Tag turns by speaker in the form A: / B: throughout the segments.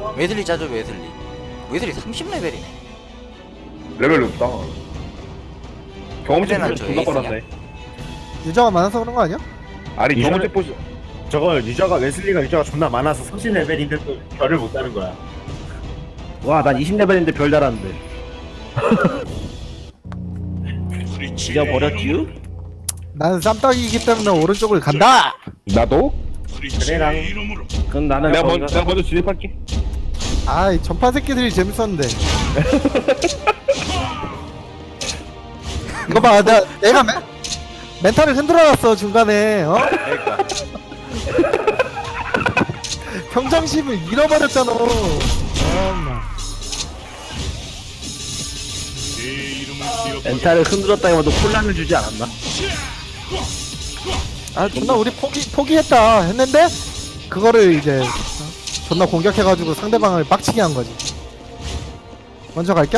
A: 웨슬리 짜죠 웨슬리. 웨슬리 30레벨이네.
B: 레벨 높다. 경험치
A: 헤레나
B: 포션
A: 저
B: 존나
A: 에이스냐?
B: 빨았네.
C: 유저가 많아서 그런 거 아니야?
B: 아니 경험치
D: 이전에-
B: 포션
D: 저거 유저가 웨슬리가 유저가 존나 많아서 30레벨인데 또 별을 못 따는 거야. 와, 난 20레벨인데 별 달았는데. 잊어버렸지요?
C: 나는 쌈딱이기 때문에 오른쪽을 간다.
B: 나도?
D: 그래랑 그럼 나는
B: 내가
D: 거기가-
B: 먼저 내가 먼저 진입할게.
C: 아이 전파 새끼들이 재밌었는데. 이거 봐, 내가 멘탈을 흔들어놨어 중간에. 어?
A: 그러니까.
C: 평정심을 잃어버렸잖아.
D: 멘탈을 흔들었다기보다 혼란을 주지 않았나?
C: 아 존나 우리 포기했다 했는데 그거를 이제 존나 공격해가지고 상대방을 빡치게 한 거지. 먼저 갈겨?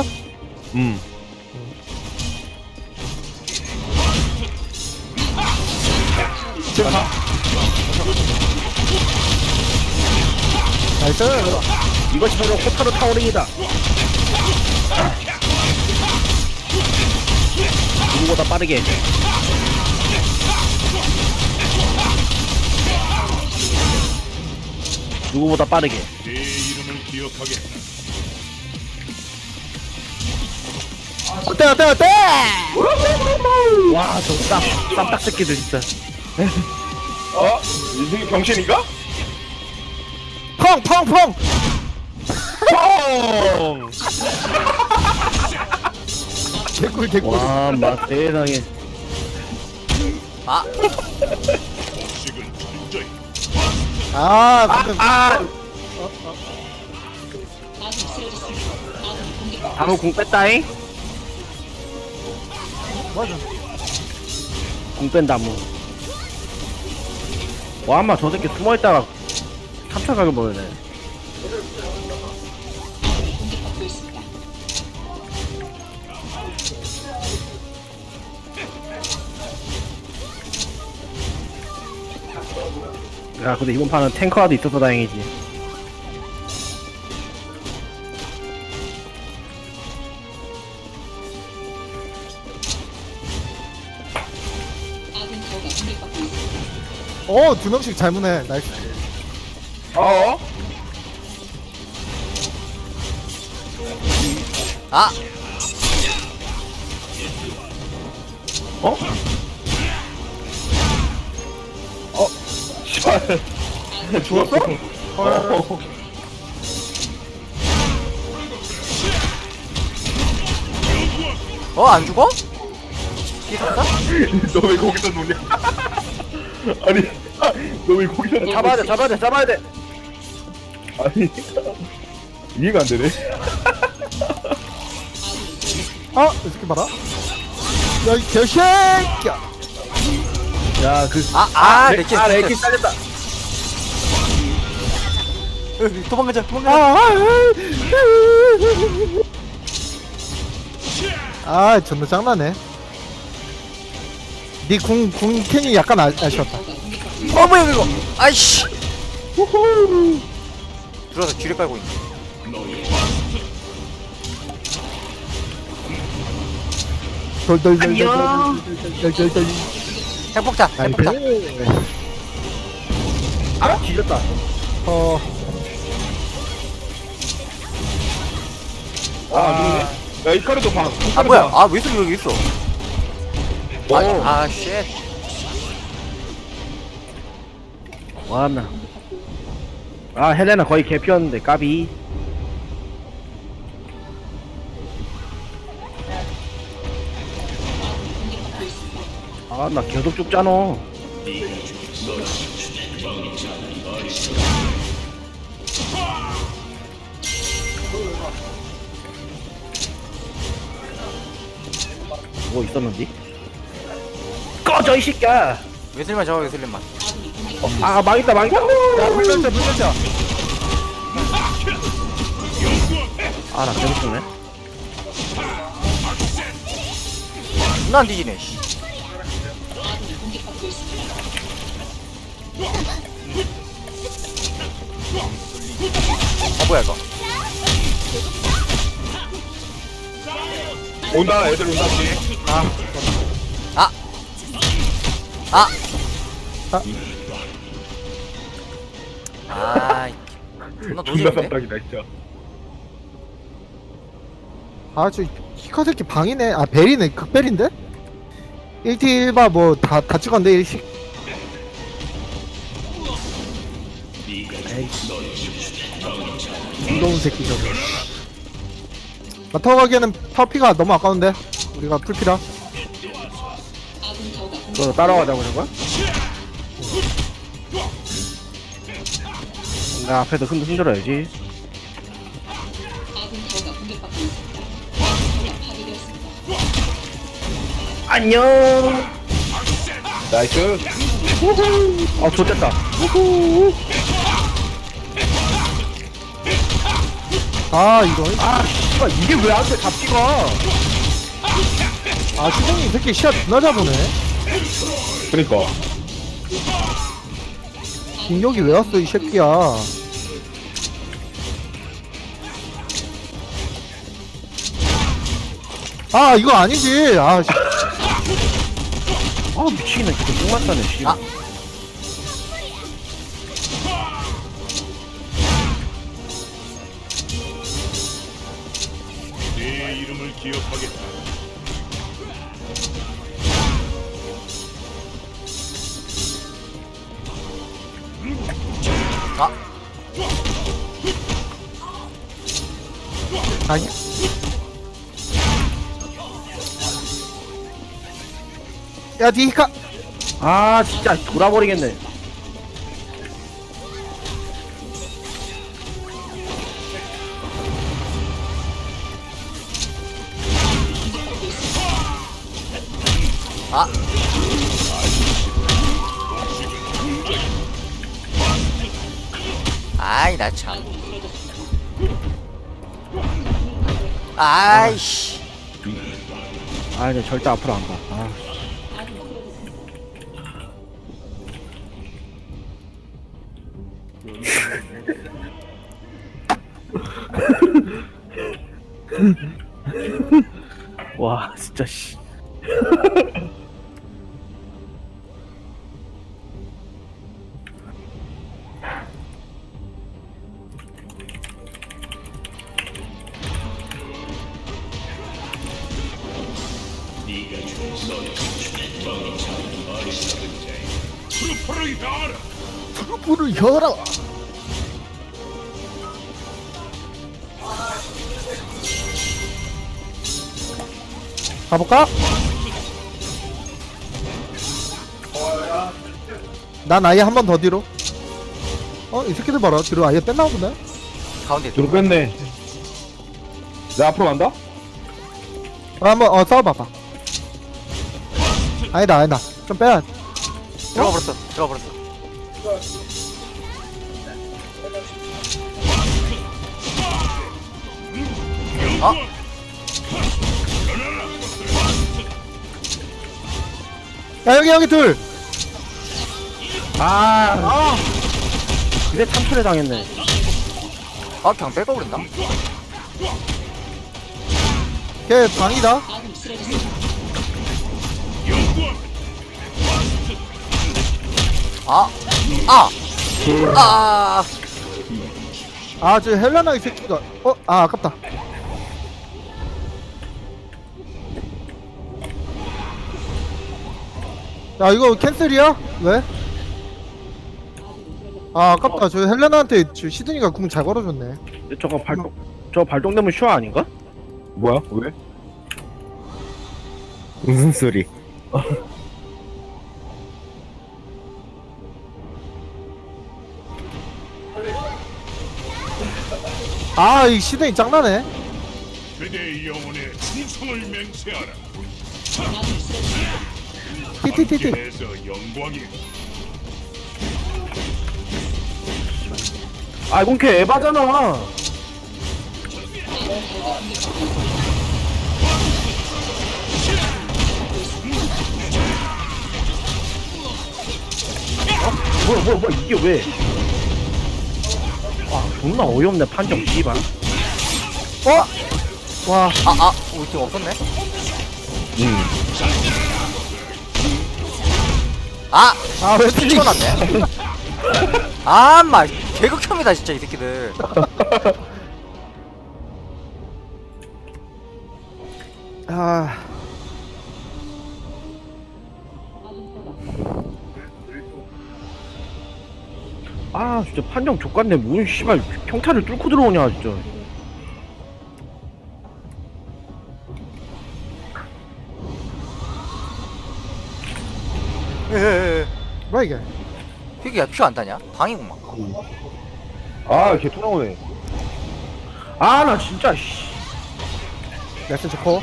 C: 나이스.
D: 이것이 바로 호타루 타워링이다. 누구보다 빠르게. 누구보다 빠르게.
C: 어때?
D: 와, 저 쌈딱 새끼들 진짜.
B: 어? 인생이 병신인가?
C: 펑.
B: 뻥!
C: 개꿀.
D: 와, 막 세상에.
A: 아
C: 방금
D: 다무 공 뺐다잉?
C: 맞아.
D: 공 뺀 다무. 와, 아마 저 새끼 숨어있다가 3차 각을 보여네. 야, 근데 이번 판은 탱커라도 있어서 다행이지.
C: 두 명씩 잘 무네. 나이스.
B: 어?
A: 아!
D: 어?
B: 씨발.
C: 죽었어?
A: 안 죽어? 피었어?
B: 너 왜 거기서 노냐? 아니, 너 왜 거기서 노냐?
D: 잡아야 돼.
B: 아니, 이해가 안 되네.
C: 이 새끼 봐라. 야, 이 개새끼야.
D: 야,
A: 레키
D: 레키 잘렸다.
A: 도망가자
C: 존나 짱나네. 니 궁캔이 약간 아쉬웠다.
A: 뭐야 이거 아이씨 들어와서 쥐를 깔고 있네.
C: 돌돌돌돌돌돌돌돌.
A: 핵폭탄
D: 아, 뒤졌다.
B: 아, 야, 이카르도 방.
A: 아 뭐야 웨슬리 여기 있어. 쉣.
D: 와나. 아, 헬레나 거의 개피였는데 까비. 아, 나 계속 죽잖아. 뭐 있었는지? 꺼져 이 새끼야.
A: 웨슬리만 잡아 웨슬리만.
D: 아, 망했다.
C: 야, 물렸자.
D: 아, 나 계속 죽네.
A: 존나 안 뒤지네 씨. 뭐야 이거?
B: 온다 애들 온다 뒤에.
A: 아! 아! 아, 존나
B: 존나
A: 노잼인데?
B: 쌈딱이다 진짜.
C: 아저 히카 새끼 방이네. 아 벨이네. 극벨인데? 1티 1바 뭐 다 찍었는데 일식. 무서운 새끼 저거. 마타고 가기에는 파워피가 너무 아까운데 우리가 풀피라.
D: 너 따라가자고 그런 거야? 나 앞에서 흔들어야지. 안녕.
B: 나이스.
D: 아 좋됐다.
C: 아 이거
D: 씨발 이게 왜 안돼 잡기가?
C: 아 시동이 이 새끼 시야 존나 잡으네.
B: 그니까.
C: 공격이 왜 왔어 이 새끼야. 아 이거 아니지. 아 씨.
D: 아 미치겠네 진짜 똥만 싸네 씨.
A: 아.
E: 내 이름을 기억하겠다.
A: 아!
C: 아니 야 니히카.
D: 아 진짜 돌아버리겠네.
A: 아! 아이 나 참. 아이씨.
D: 아 이제 절대 앞으로 안 가. 아. 와 진짜 씨.
E: 프로포를 가라.
C: 불을 열어. 가볼까? 난 아예 한 번 더 뒤로. 이 새끼들 봐라. 뒤로 아예 뺐나 보네.
A: 가운데
B: 뒤로 뺐네. 내 앞으로 간다?
C: 한번 싸워봐봐. 아니다. 좀 빼야.
A: 들어가 버렸어. 들어가 버렸어. 어?
C: 야 여기 둘.
D: 근데 참초에 당했네.
A: 아 그냥 뺏어버린다.
C: 걔 방이다.
A: 아! 아! 아!
C: 아 저 헬라나 이 새끼가. 아깝다. 야 이거 캔슬이야? 왜? 아 아깝다. 저 헬레나한테 저 시드니가 궁 잘 걸어줬네.
D: 근데 저거 발동되면 슈아 아닌가?
B: 뭐야? 왜?
D: 무슨 소리?
C: 아 이 시드니 짱나네.
E: 그대의 영혼에 충성을 맹세하라.
C: 티티티티.
E: 함께해서 영광이.
D: 아 이건 걔 에바잖아. 뭐야 이게 왜? 존나 어이없네 판정 씨발.
C: 와,
A: 우리 팀 없었네.
C: 왜 틀리?
A: 찍어놨네. 아, 마 개극혐이다 진짜 이 새끼들.
C: 아,
D: 아 진짜 판정 족같네. 뭔 씨발 평타를 뚫고 들어오냐 진짜.
C: 뭐야 이게?
A: 피기야 피 안 타냐? 방이구만.
B: 걔 토나오네.
D: 아 나 진짜 씨.
C: 레슨 좋고.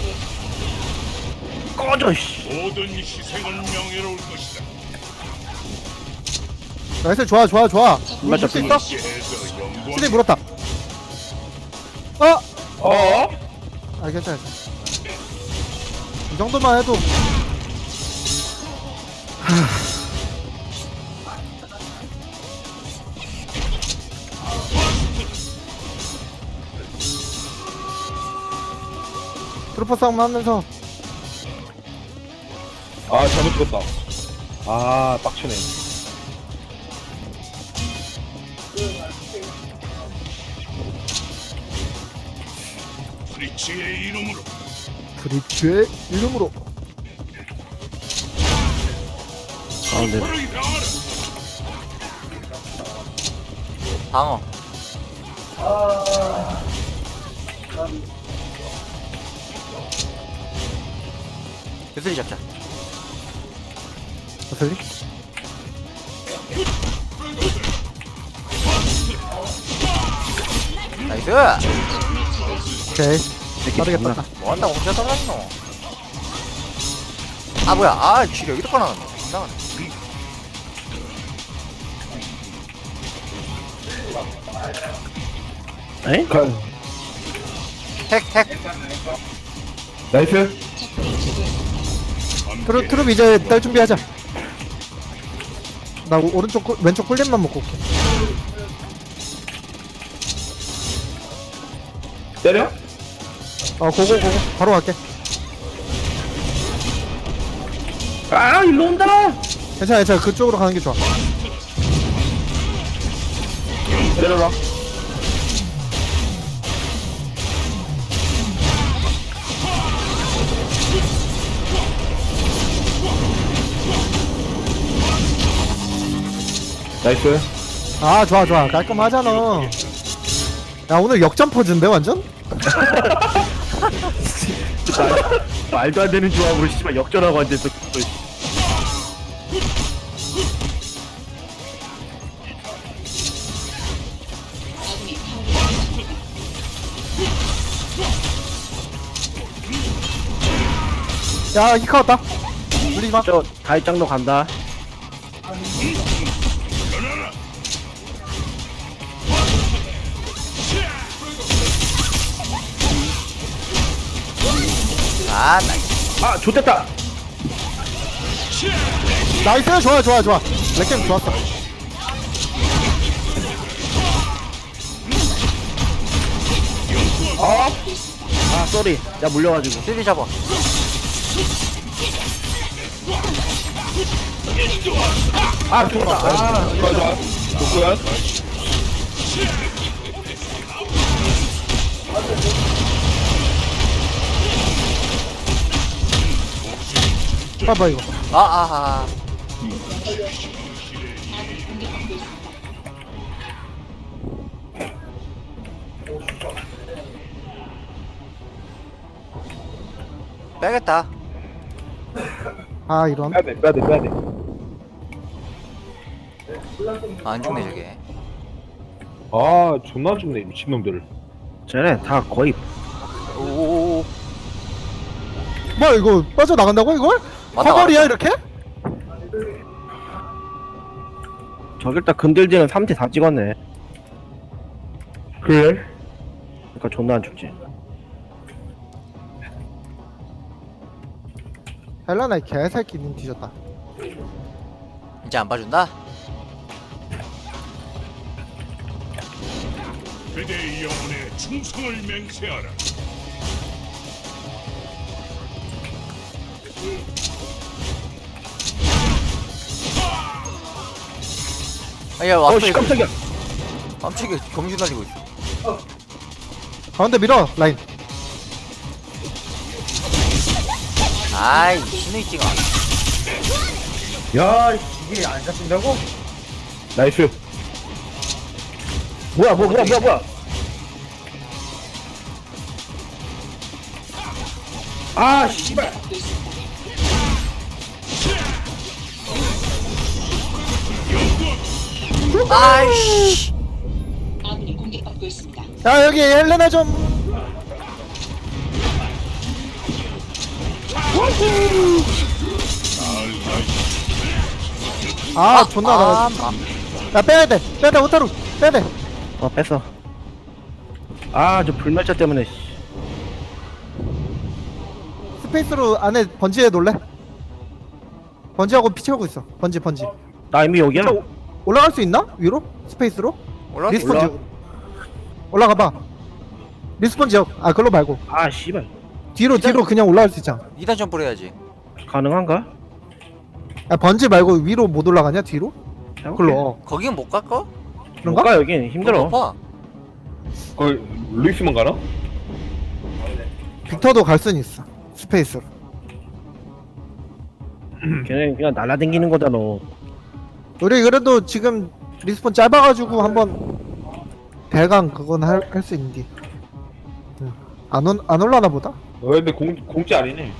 D: 꺼져 씨.
E: 모든 희생은 명예로울 것이다.
C: 레슨 좋아. 우리
D: 맞아,
C: 줄수 있어?
E: 시에서 영광.
C: 쓰리 물었다. 괜찮아. 이 정도만 해도. 트루퍼 싸움 하면서
B: 잘못 찍었다. 빡치네.
E: 프리츠의 이름으로
C: 브릿지의 이름으로.
D: 근데
E: 불을 향하라.
A: 방어. 유슬이 잡자.
C: 어슬리?
A: 나이스.
C: 오케이.
D: 새끼
C: 빠르게
D: 존나.
C: 떴다.
A: 뭐 한다고 혼자 떠다니노? 아 뭐야? 쥐 여기도 꺼놨네. 이상하네.
D: 에?
A: 핵.
B: 나이스.
C: 트룹 이제 딸 준비하자. 나 왼쪽 꿀잼만 먹고 올게.
B: 때려?
C: 고고 바로 갈게.
D: 아 일로 온다.
C: 괜찮아. 그쪽으로 가는 게 좋아.
B: 때려라. 나이스.
C: 좋아. 깔끔하잖아. 야, 오늘 역전 퍼즈인데 완전?
D: 말도 안 되는 조합으로 씨발 역전하고 앉아있어.
C: 야, 히카 왔다. 물리지 마.
D: 저 다이짱도 간다.
A: 나이스.
D: 아 좋됐다.
C: 나이스. 좋아. 렉캠 좋았어.
D: 아 쏘리. 나 물려가지고.
A: 유슬이 잡아.
D: 아 좋다.
B: 좋아. 좋구요.
C: 봐봐 이거.
A: 아. 빼겠다.
C: 이런.
B: 빼야돼.
A: 안 죽네 저게.
B: 존나 죽네, 미친놈들.
D: 쟤네 다 거의
A: 오.
C: 뭐야 이거 빠져나간다고 이걸?
A: 맞다,
C: 커버리야 이렇게?
D: 저길다 근들지는 3대 다 찍었네.
B: 그래?
D: 그러니까 존나 안 죽지.
C: 헬라나 이 개새끼 님 뒤졌다.
A: 이제 안 봐준다.
E: 그대의 영혼에 충성을 맹세하라.
A: 아야 왔어
D: 어씨
A: 이거.
D: 깜짝이야.
A: 깜짝이야 경주 날리고 있어.
C: 가운데 밀어 라인.
A: 아이 신의 찡아.
D: 야 이게 안 잡힌다고? 나이스. 뭐야. 아 씨발.
A: 아이씨.
F: 아군이 공격받고 있습니다.
C: 야 여기 헬레나 좀. 아 존나 나. 야 빼야돼 호타루 빼야돼.
D: 뺐어. 아 저 불멸자 때문에. 씨.
C: 스페이스로 안에 번지에 놀래? 번지하고 피 채우고 있어. 번지
D: 나 이미 여기야.
C: 올라갈 수 있나? 위로? 스페이스로?
A: 올라.
C: 리스폰 지역 올라가봐. 리스폰 지역 아 그걸로 말고
D: 아 씨발.
C: 뒤로 그냥 올라갈 수 있잖아.
A: 2단 점프를 해야지.
D: 가능한가?
C: 야 번지 말고 위로 못 올라가냐 뒤로? 그걸로
A: 거긴 못 갈까?
C: 그런가?
D: 못가 여긴 힘들어.
A: 높아.
B: 거기 루이스만 가나?
C: 빅터도 갈 수는 있어 스페이스로.
D: 걔네 그냥 날라댕기는 거다 너.
C: 우리 그래도 지금 리스폰 짧아가지고 한번 대강 그건 할 수 있는데 안 올라나 보다?
B: 근데 공짜 아니네.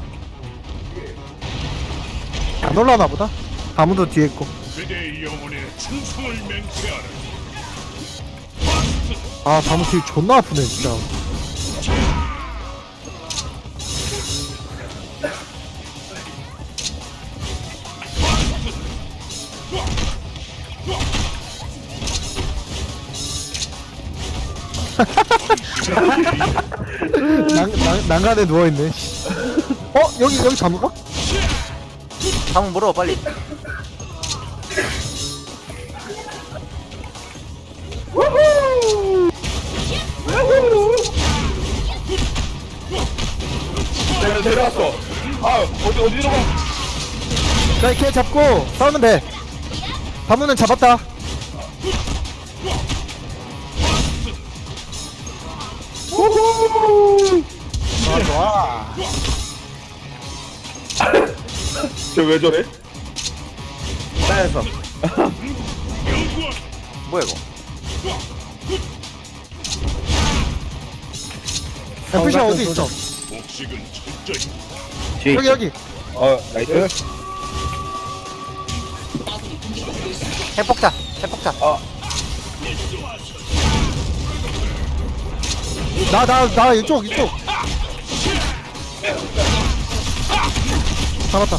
C: 안 올라나 보다? 아무도 뒤에 있고.
E: 그대의 영혼에 충성을 맹세하라.
C: 아 다무 딜 존나 아프네 진짜. 난간에 누워있네. 여기 잠가?
A: 한번 물어 빨리.
B: 내가 데려왔어. 아 어디로 가?
C: 자 이렇게 잡고 싸우면 돼. 다무는 잡았다. 좋아.
B: 저 왜 저래?
D: 따여서.
A: 뭐야 이거?
C: FC 어디 있어?
E: 복식은 철저히
D: 뒤에 있어.
C: 여기.
B: 나이스.
F: 아군이 공격받고 있습니다.
A: 핵폭탄.
C: 나 이쪽. 잡았다.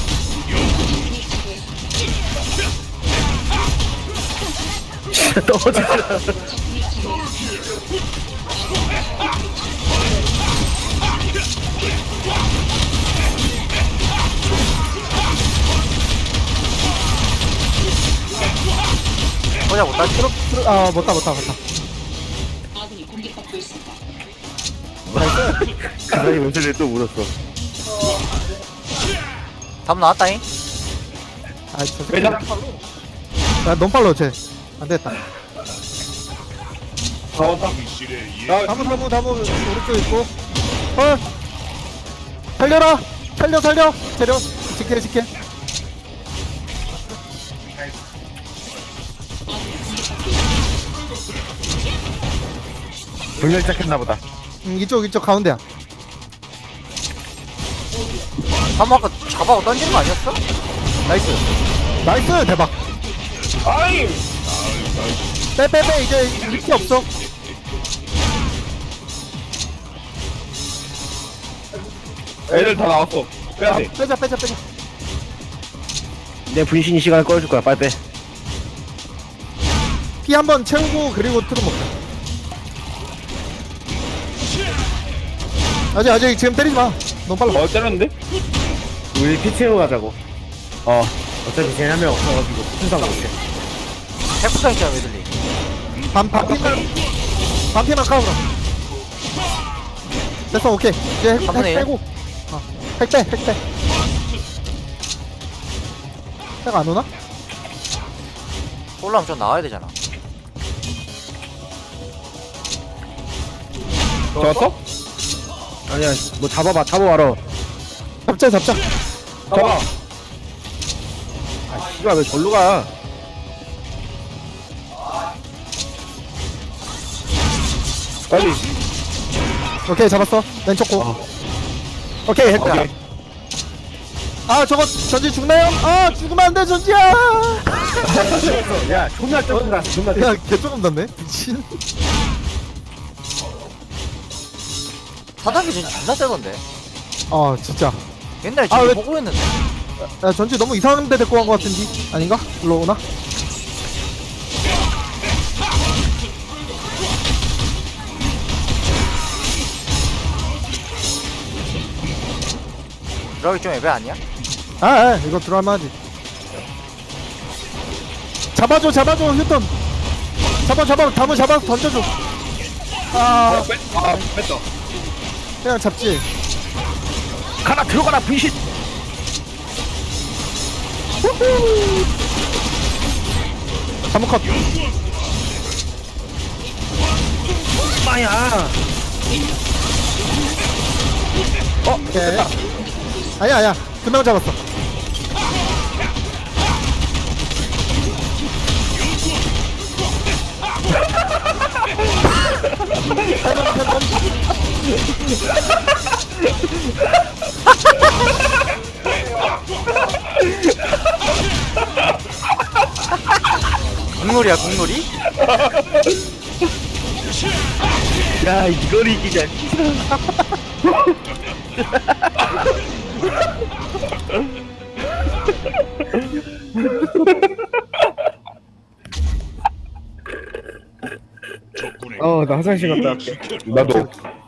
A: 보자 못다.
C: 못다.
F: 아군이 공격받고 있습니다.
D: 그다음에 왼손에 또 물었어.
A: 담 나왔다잉.
C: 저 새끼.
B: 왜냐?
C: 야, 너무 빨라, 쟤. 안 되겠다.
B: 나왔다.
E: 실의 예
C: 다무, 오른쪽 있고. 살려라! 살려! 지켜.
D: 불멸자 했나보다.
C: 이쪽, 가운데야.
A: 담 아까 잡아고 던지는 거 아니었어?
C: 나이스! 대박.
B: 아이.
C: 빼, 이제 리키 없어.
B: 애들 다 나왔어. 빼야 돼.
C: 빼자.
D: 내 분신 시간을 꺼줄 거야. 빨리 빼.
C: 피 한 번 채우고, 그리고 틀어 먹자. 아직 지금 때리지 마. 너무 빨라.
B: 때렸는데?
D: 우리 피 채우고 가자고. 어차피 쟤네 한명 없어가지고 순상 못해.
A: 핵폭탄 있잖아 웨슬리.
C: 반피만. 방패만 까불어. 됐어, 오케이. 이제 핵
A: 3분의 1.
C: 빼고. 핵 빼, 핵 빼. 핵 안 오나?
A: 올라오면 좀 나와야 되잖아.
D: 잡았어? 아니야 뭐 잡아봐라.
C: 잡자, 잡자.
D: 잡아. 아 씨발 왜 절로 가? 빨리.
C: 오케이, 잡았어. 왼쪽 고. 오케이, 핵 빼.
D: 오케이.
C: 아, 저거 전지 죽나요? 아, 죽으면 안 돼, 전지야!
D: 야 존나 조금 났어. 존나
C: 야, 개 조금 났네. 미친.
A: 4단계 전지 존나 세던데.
C: 진짜.
A: 옛날에
C: 아,
A: 지금
C: 왜-
A: 보고 했는데.
C: 야, 전지 너무 이상한 데 데리고 간 것 같은지? 아닌가? 일로 오나?
A: 들어가기 좀 애매 아니야?
C: 이거 들어갈만 하지. 잡아줘, 휴턴. 다무 잡아서 던져줘.
B: 뺐다.
C: 그냥 잡지.
D: 가라 들어가라 분신.
C: 다무 컷.
D: 마야.
C: 오케이. 아니야. 금방 잡았어.
A: 국놀이야 국놀이?
D: 야 이걸 이기자.
E: 적군의
D: 나 화장실 갔다 올게.
B: 나도.